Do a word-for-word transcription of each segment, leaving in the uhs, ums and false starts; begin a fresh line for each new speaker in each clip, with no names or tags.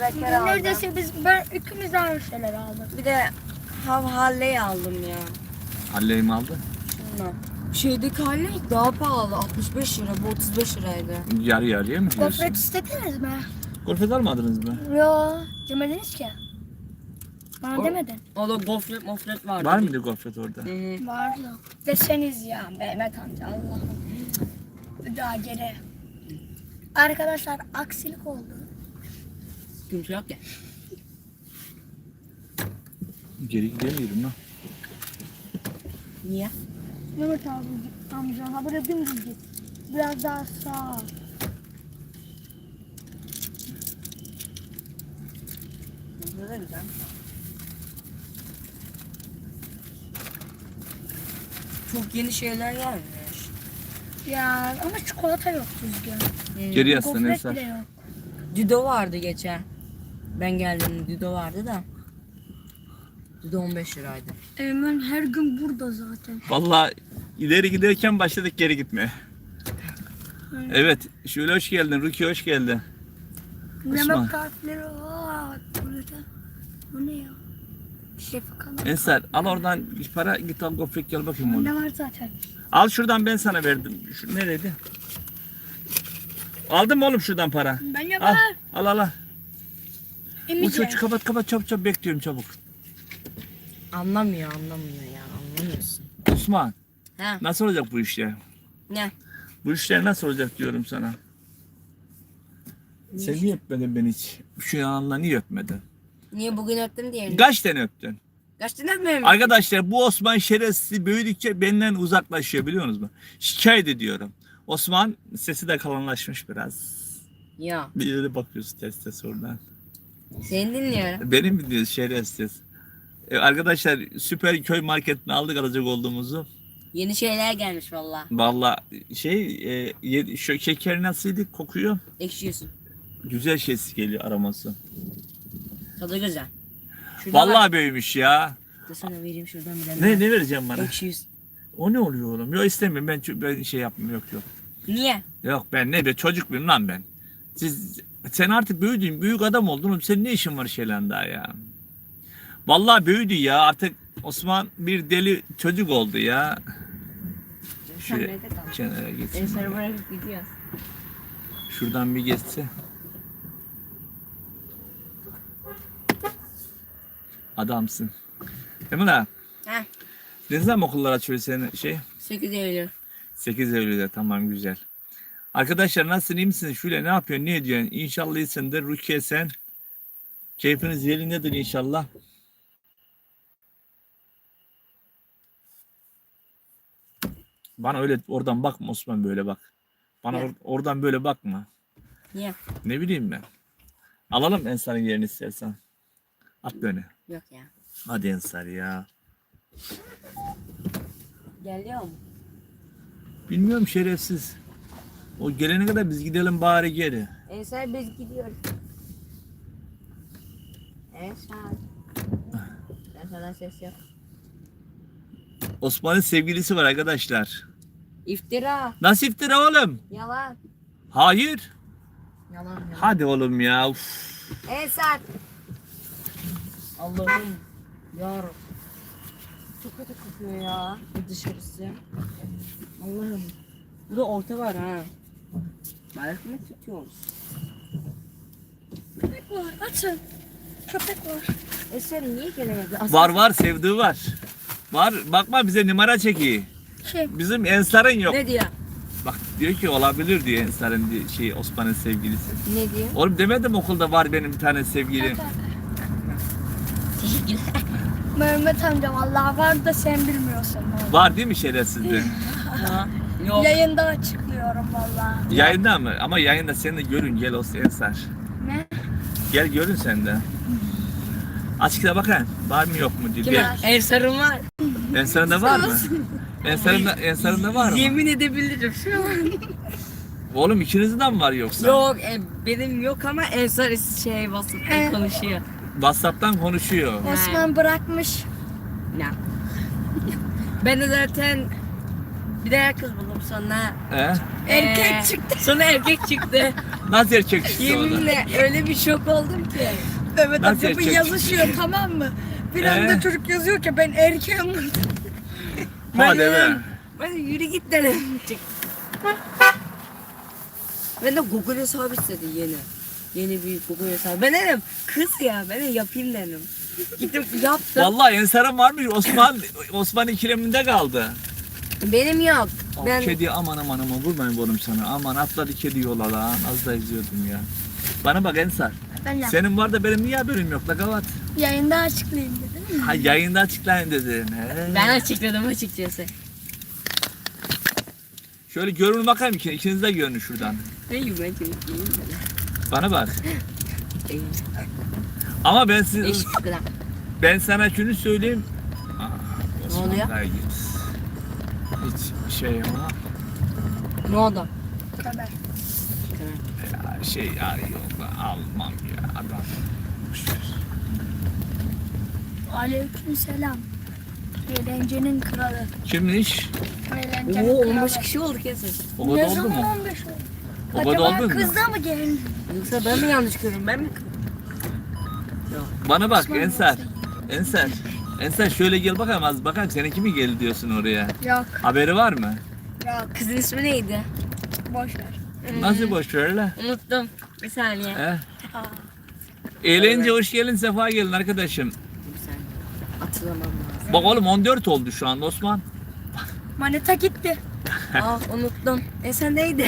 kraker aldım.
Neredeyse biz ben ikimiz aynı şeyler aldık.
Bir de hav Halley aldım ya.
Halley mi aldı?
Şundan. Şeydeki Halley daha pahalı. altmış beş lira. Bu otuz beş liraydı.
Yarı yarıya mı diyorsun?
Gofret istediniz mi?
Gofret almadınız mı?
Yo, demediniz ki. Bana
O-
demedin.
O da gofret mofret vardı.
Var mıydı gofret orada?
Hı hı.
Vardı. Deseniz ya Mehmet amca Allah'ım. Bir daha geri. Arkadaşlar aksilik oldu.
Kimse yok ya.
Geri gidemiyorum lan.
Niye?
Mehmet abi amca ha buraya dümdüz git. Biraz daha sağ.
Bu da güzel. Çok yeni şeyler gelmiş.
Ya ama çikolata yok düzgün.
Hı.
Geri yaslan
Gofret
Ensar.
bile yok.
Dido vardı geçen. Ben geldiğimde Dido vardı da. Dido on beş liraydı.
Eymen her gün burada zaten.
Vallahi ileri giderken başladık geri gitmeye. Evet, şöyle hoş geldin. Ruki hoş geldin. Osman.
Yemek tarifleri var burada. Bu ne ya? Şef kanal.
Ensar al oradan para git al gofret gel bakayım oğlum.
Ne var zaten?
Al şuradan ben sana verdim. Şu nereydi? Aldın mı oğlum şuradan para?
Ben
Al
yaparım.
al al. al. Bu
Emice.
çocuk kapat kapat çabuk çabuk bekliyorum çabuk.
Anlamıyor anlamıyor ya anlamıyorsun.
Osman
Ha
nasıl olacak bu işler?
ne?
Bu işler nasıl olacak diyorum sana. Sen niye öpmedin beni hiç? Şu yanından niye öpmedin?
Niye bugün öptüm diye?
Kaç tane öptün?
Kaç tane öpmüyorum?
Arkadaşlar bu Osman şerefsiz büyüdükçe benden uzaklaşıyor biliyor musunuz? Şikayet ediyorum. Osman sesi de kalınlaşmış biraz.
Ya
Bir yere bakıyoruz test test oradan.
seni dinliyorum.
Benim mi diyoruz şerefsiz? Ee, arkadaşlar süper köy marketine aldık alacak olduğumuzu.
Yeni şeyler gelmiş valla.
Valla şey e, ye- şu şeker nasıldı kokuyor?
Ekşiyorsun.
Güzel şeysi geliyor aroması.
Tadı güzel. Şurada var.
Vallahi büyümüş ya.
Dur sana vereyim şuradan bir tane.
Ne ne vereceğim bana?
Ekşiyorsun.
O ne oluyor oğlum? Yok istemiyorum ben, ço- ben şey yapmıyorum yok yok.
Niye?
Yok ben ne be çocuk muyum lan ben? Siz sen artık büyüdün büyük adam oldun oğlum senin ne işin var şeyle daha ya? Vallahi büyüdü ya artık Osman bir deli çocuk oldu ya.
Sen
Şöyle
nerede kaldın?
kenara geçsin.
Ensar'ı bırakıp gidiyoruz.
Şuradan bir geçse. Adamsın. Değil mi lan?
Heh.
Ne zaman okullar açıyor senin şey?
sekiz Eylül.
sekiz Eylül'de tamam güzel. Arkadaşlar nasılsın iyi misiniz? Şöyle ne yapıyorsun ne ediyorsun? İnşallah iyisindir. Rukiye sen. Keyfiniz yerindedir inşallah. Bana öyle oradan bakma Osman böyle bak. Bana
Ne?
or- oradan böyle bakma.
Niye?
Ne bileyim ben. Alalım Ensar'ın yerini istersen. At beni.
Yok ya.
Hadi Ensar ya.
Geliyor mu?
Bilmiyorum şerefsiz. O gelene kadar biz gidelim bari geri.
Ensar biz gidiyoruz. Ensar. Ensar'dan ses yok.
Osman'ın sevgilisi var arkadaşlar.
İftira.
Nasıl iftira oğlum?
Yalan.
Hayır.
Yalan yalan.
Hadi oğlum ya. Uf.
Ensar. Allah'ım. Yarabbim. Çok kötü kokuyor ya. Bu dışarısı. Allah'ım. Bu da orta var ha. Balık mı tutuyoruz?
Köpek var açın. Köpek var.
Ensar niye gelemedi? Aslında
Var var sevdiği var. Var bakma bize numara çekiyor.
Şey
Bizim Ensar'ın yok.
ne diyor?
Bak diyor ki olabilir diyor Ensar'ın di- şey Osman'ın sevgilisi.
Ne diyor?
Oğlum demedim okulda var benim bir tane sevgilim.
Mehmet amca vallahi var da sen bilmiyorsun. vallahi.
Var değil mi şerefsizde?
Ha? Yok.
Yayında açıklıyorum vallahi.
Yayında mı? Ama yayında seni de görün gel olsun Ensar.
Ne?
Gel görün sen de. Açıkta bakın. Var mı yok mu diye.
Kime?
Gel.
Ensar'ın var.
Ensar'ın da var mı? Ensar'ın da, Ensar'ın da var mı?
Yemin edebilirim şu an.
Oğlum ikinizin de mi var yoksa?
Yok e, benim yok ama Ensar şey WhatsApp'tan
Ee.
konuşuyor.
WhatsApp'tan konuşuyor.
Osman bırakmış.
Ne? Ben de zaten Bir de kız buldum sonra.
He?
Erkek
Ee,
çıktı.
Sonra erkek çıktı.
Nasıl erkek çıktı o da?
Yeminle öyle bir şok oldum ki.
Mehmet
Nasıl
amca bu
erkek
yazışıyor tamam mı? Bir
Ee?
anda çocuk yazıyor ki ben erkeğim.
Hadi be.
dedim, Ben de yürü git dedim. Çıktı. Ben de Google hesabı istedi yeni. Yeni bir Google hesabı. Ben dedim kız ya ben de yapayım dedim. Gittim yaptım.
Vallahi Ensar'ın varmış. Osman Osman ikileminde kaldı.
Benim yok.
O
Ben
kedi aman aman aman vurmayın oğlum sana. Aman atladı kedi yola lan. Az da izliyordum ya. Bana bak Ensar.
Ben yap.
Senin var da benim niye haberim yok la kavat?
Yayında açıklayayım dedim.
Ha yayında açıklayın dedin. He.
ben açıkladım açıkçası.
Şöyle görün bakayım ki ikiniz de görün şuradan.
Ne ben çocuk değilim dedim.
Bana bak. Ama ben siz,
Eşit kadar.
ben sana şunu söyleyeyim. Aa,
Ne oluyor?
Osman git. Hiç şey ama
Ne oldu?
Kadar.
ya şey arıyor almam ya adam.
Aleyküm selam. Eğlencenin kralı.
Kimmiş?
Eğlencenin
Oo
kralı.
on beş kişi olduk ya siz.
O kadar
Ne
oldu
zaman
mu?
on beş oldu?
O kadar
Acaba
oldu mu?
kız da mı geldi?
Yoksa ben mi yanlış görüyorum ben mi?
Bana bak
Osman
Ensar.
olsaydı.
Ensar. Ensar şöyle gel bakalım az bakalım seninki mi geldi diyorsun oraya?
Yok.
Haberi var mı?
Yok.
Kızın ismi neydi?
Boş ver.
Nasıl boş ver la?
Unuttum. Bir saniye.
He?
Aa.
Eğlence hoş gelin sefa gelin arkadaşım.
Bir saniye. Hatırlamam lazım.
Bak oğlum on dört oldu şu an Osman.
Manita gitti.
Ah unuttum. E sen neydi?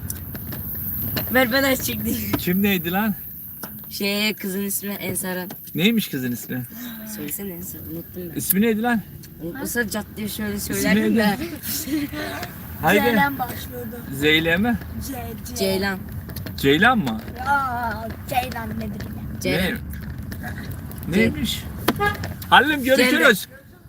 Ver ben açıklayayım.
Kim neydi lan?
Şey kızın ismi Ensar'ın.
Neymiş kızın ismi?
Söylesene Ensar unuttum ben.
İsmi neydi lan?
Unutmasa caddeye şöyle
İsmi
söylerdim de.
neydi? Haydi.
Ceylan başlıyordu.
Zeyle mi?
C, C.
Ceylan.
Ceylan mı?
Aa, Ceylan nedir ya?
Ceylan.
Ne? Neymiş? Hallim görüşürüz.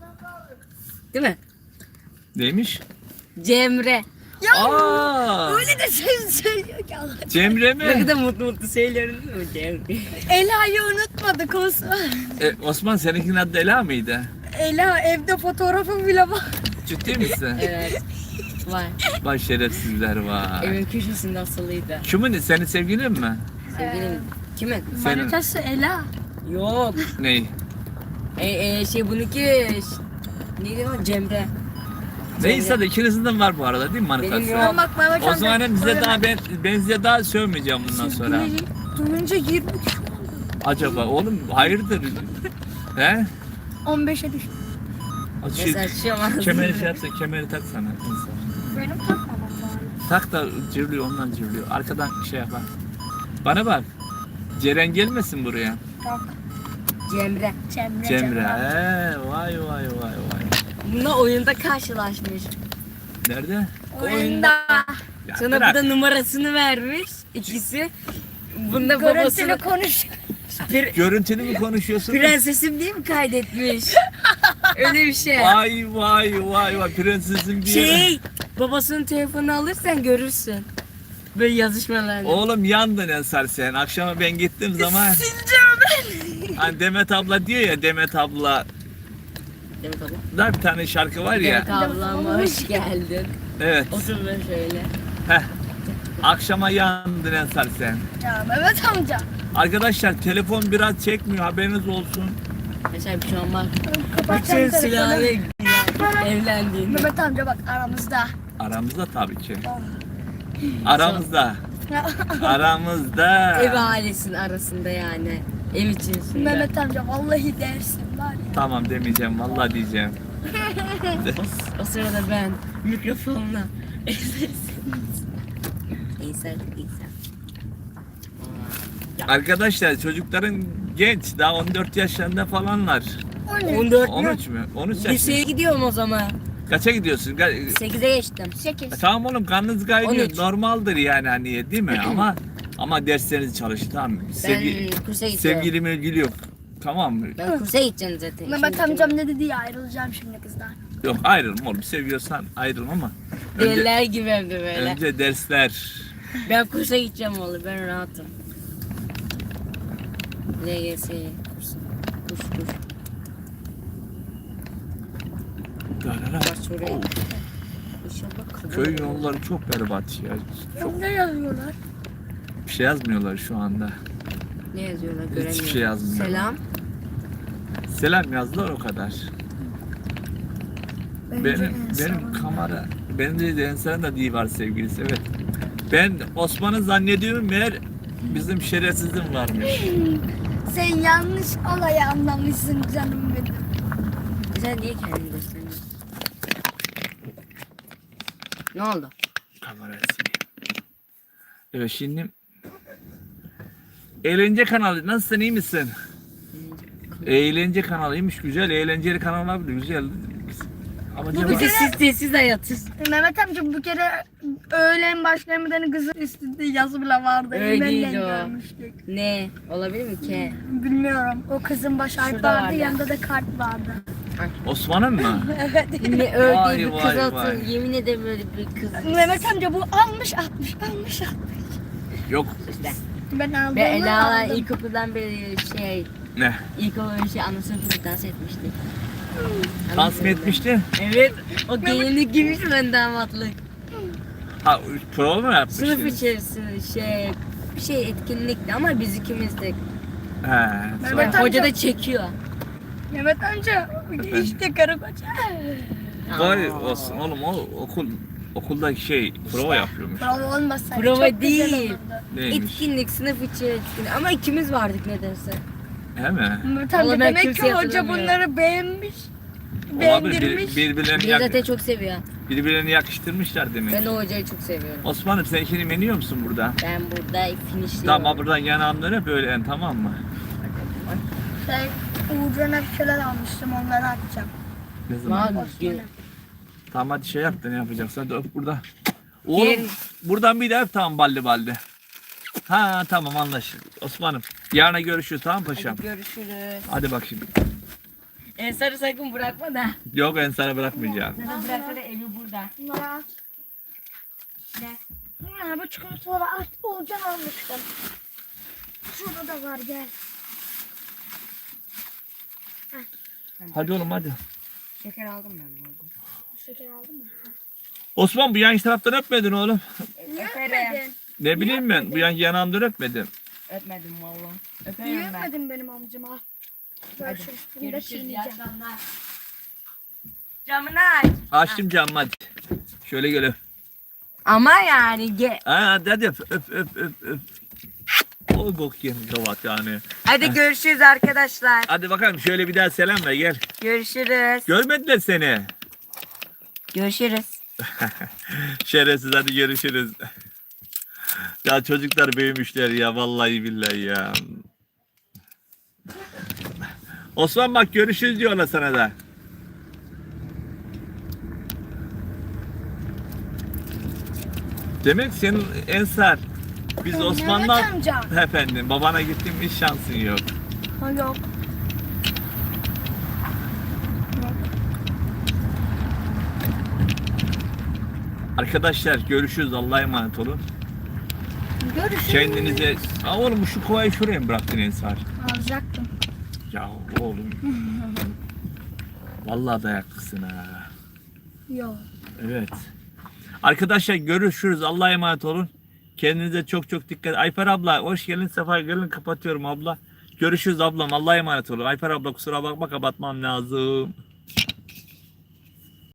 Değil mi?
Neymiş?
Cemre.
Ya
Aa,
öyle de söz söylüyor ki Allah.
Cemre
Ne
mi?
kadar mutlu mutlu söylüyorum değil mi Cemre?
Ela'yı unutmadık Osman.
E, Osman seninkinin adı Ela mıydı?
Ela evde fotoğrafı bile var.
Ciddi misin?
Evet. Var.
Vay şerefsizler var.
Evin köşesinde asılıydı.
Kimin? Senin sevgilin mi?
Sevgilim. Kimin?
Senin.
Manitası Ela.
Yok.
Ney?
E, e, şey bununki neydi lan Cemre.
Neyse de ikinizin de var bu arada değil mi
Benim
manitası?
yok.
Ben bak Mehmet
O
amca.
zaman hem bize
öyle-
daha ben, ben size daha sövmeyeceğim bundan sonra.
Sevgili duyunca yirmi kişi oldu.
Acaba oğlum hayırdır? He?
on beşe düştü.
Şey,
Mesela şu an
kemeri şey yapsa kemeri tak sana.
Benim takmamam lazım.
Tak da cırlıyor ondan cırlıyor. Arkadan şey yapar. Bana bak. Ceren gelmesin buraya.
Yok.
Cemre.
Cemre.
Cemre. He, vay vay vay vay.
Bununla oyunda karşılaşmış.
Nerede?
Oyunda.
Ya
Sonra
bırak.
bu da numarasını vermiş ikisi. Bunda
Görüntülü
babasını
konuş.
Pir-
Görüntülü mü konuşuyorsun?
prensesim diye mi kaydetmiş? Öyle bir şey.
Vay vay vay vay prensesim diye.
Şey, babasının telefonunu alırsan görürsün. Böyle yazışmalarını.
Oğlum yandın Ensar sen. Akşama ben gittiğim zaman
Sileceğim ben.
hani Demet abla diyor ya Demet abla
Demet abla.
da bir tane şarkı var ya.
Demet ablama hoş geldin.
Evet.
Otur böyle şöyle.
Heh. Akşama yandın Ensar sen.
Ya Mehmet amca.
Arkadaşlar telefon biraz çekmiyor haberiniz olsun.
Mesela şu an bak.
Kapatacağım
Bütün silahı
telefonu.
evlendiğini.
Mehmet amca bak aramızda.
Aramızda tabii ki. Aramızda. Aramızda.
Ev ailesinin arasında yani. Ev içerisinde.
Mehmet amca vallahi dersin var ya.
Tamam demeyeceğim vallahi diyeceğim.
O, o sırada ben mikrofonla İnsan, insan.
Arkadaşlar çocukların genç daha on dört yaşlarında falanlar.
O ne?
on dört
on
mü?
üç mü? on üç
Liseye
yaşında.
gidiyorum o zaman.
Kaça gidiyorsun? Ga-
sekize geçtim.
Sekiz.
Tamam oğlum karnınız kaynıyor.
on üç.
Normaldir yani hani değil mi? ama ama derslerinizi çalışın tamam mı? Sevgi,
Ben kursa gidiyorum.
sevgili mevgili yok. Tamam mı?
Ben kursa gideceğim zaten.
Mehmet
Şimdi
amcam ne dedi ya ayrılacağım şimdi kızdan.
Yok ayrılma oğlum. Seviyorsan ayrılma ama. Önce,
Deliler gibi hem de böyle.
önce dersler.
Ben kursa gideceğim oğlum. Ben rahatım. L G S kursu. Kurs kurs.
Darara.
Bak şuraya. İnşallah kabul
Köy
olur.
yolları çok berbat ya. Çok
Ne yazıyorlar?
bir şey yazmıyorlar şu anda.
Ne yazıyorlar göremiyorum.
Hiçbir şey yazmıyor.
Selam.
Selam yazdılar o kadar.
Bence
Benim
en
benim
son.
kamera benim de Ensar'ın da diye var sevgilisi, evet. Ben Osman'ı zannediyorum, meğer bizim şerefsizim varmış.
Sen yanlış olayı anlamışsın canım benim.
Sen niye kendini gösteriyorsun? Ne oldu?
Kamerayı sileyim. Evet, şimdi eğlence kanalı, nasılsın, iyi misin? Eğlence kanalıymış, güzel, eğlenceli kanal abi, güzel. Ama
Bu
acaba-
bir sessiz sessiz hayatız.
Mehmet amca bu kere öğlen başlamadan kızın üstünde yazı bile vardı.
Öyle
Benden
değil o.
görmüştük.
Ne? Olabilir mi ki?
Bilmiyorum. O kızın baş harfi
Şurada
vardı,
var ya.
yanında da kart vardı.
Osman'ın mı?
Evet.
Ne öyle
Vay,
değil bir
vay,
kız
vay.
atın. Yemin ederim öyle bir kız.
Mehmet amca bu almış atmış, almış atmış.
Yok.
İşte.
Ben aldım.
Ve Ela
aldım.
ilkokuldan beri şey,
Ne?
ilkokul şey anlasını dans etmişti.
Dans mı etmişti?
Evet. O gelinlik giymiş ben damatlık.
Ha, prova mı yapmıştı?
Sınıf içerisinde şey, bir şey etkinlikti ama biz ikimizdik.
He.
Mehmet
sonra-
amca-
Hoca da çekiyor.
Mehmet amca işte karı koca.
Vay
Aa.
olsun oğlum, o okul okuldaki şey prova yapıyormuş.
Prova olmasaydı
Prova
çok güzel
değil.
olurdu.
Neymiş?
Etkinlik, sınıf içi etkinlik. Ama ikimiz vardık nedense.
He mi?
Mehmet
Vallahi
amca
ben
demek ki
kimseyi
hoca
hatırlamıyorum.
bunları beğenmiş.
Olabilir,
Beğendirmiş.
bir, birbirlerini,
Beni
yak-
zaten çok seviyor.
birbirlerini yakıştırmışlar demek.
Ben o hocayı çok seviyorum.
Osman'ım, sen işini meniyor musun burada?
Ben burada finishliyorum.
Tamam, buradan yanağımdan hep öyle, tamam mı?
Şey, Uğurcan'a bir şeyler almıştım, onları atacağım.
Ne zaman?
Mal gün.
Tamam, hadi şey yap da ne yapacaksan, hadi öp burada. Oğlum
Gel.
buradan bir de öp, tamam, balli balli. Ha tamam, anlaşıldı. Osman'ım, yarına görüşürüz, tamam paşam.
Hadi görüşürüz.
Hadi bak şimdi.
Ensar'ı sakın bırakma da.
Yok, ben sana bırakmayacağım.
Sana bırakma da evi burada.
Bunları at. Ne? Ha, bu çikolataları at, Uğurcan almıştım. Şurada da var, gel.
Hadi oğlum, hadi.
Şeker aldım ben bu arada.
Şeker aldın mı?
Osman, bu yan taraftan öpmedin oğlum.
Niye
Öperim.
öpmedin?
Ne bileyim ben, bu yan yanağımdan öpmedim.
Öpmedim valla.
Niye
Öperim ben.
öpmedin benim amcama? Görüşürüz. Bunu da
Görüşürüz. İyi
çiğneyeceğim.
akşamlar. Camını aç.
Açtım camı, hadi. Şöyle gel öp.
Ama yani gel.
Ha, hadi hadi öp öp öp öp öp. Oy bok yemiş kavat yani.
Hadi görüşürüz arkadaşlar.
Hadi bakalım, şöyle bir daha selam ver, gel.
Görüşürüz.
Görmediler seni.
Görüşürüz.
Şerefsiz, hadi görüşürüz. Ya çocuklar büyümüşler ya, vallahi billahi ya. Osman bak, görüşürüz diyorlar sana da. Demek senin Ensar, biz
Mehmet
Osman'la
amca.
efendim babana gittim, hiç şansın yok.
Ha, yok.
Arkadaşlar görüşürüz, Allah'a emanet olun.
Görüşürüz.
Kendinize... Aa, oğlum şu kovayı şuraya mı bıraktın Ensar?
Alacaktım.
Ya oğlum. Vallahi dayaklısın ha.
Yok.
Evet. Arkadaşlar görüşürüz, Allah'a emanet olun. Kendinize çok çok dikkat. Ayfer abla hoş geldin, sefa gelin, kapatıyorum abla. Görüşürüz ablam, Allah'a emanet olun. Ayfer abla kusura bakma, kapatmam lazım.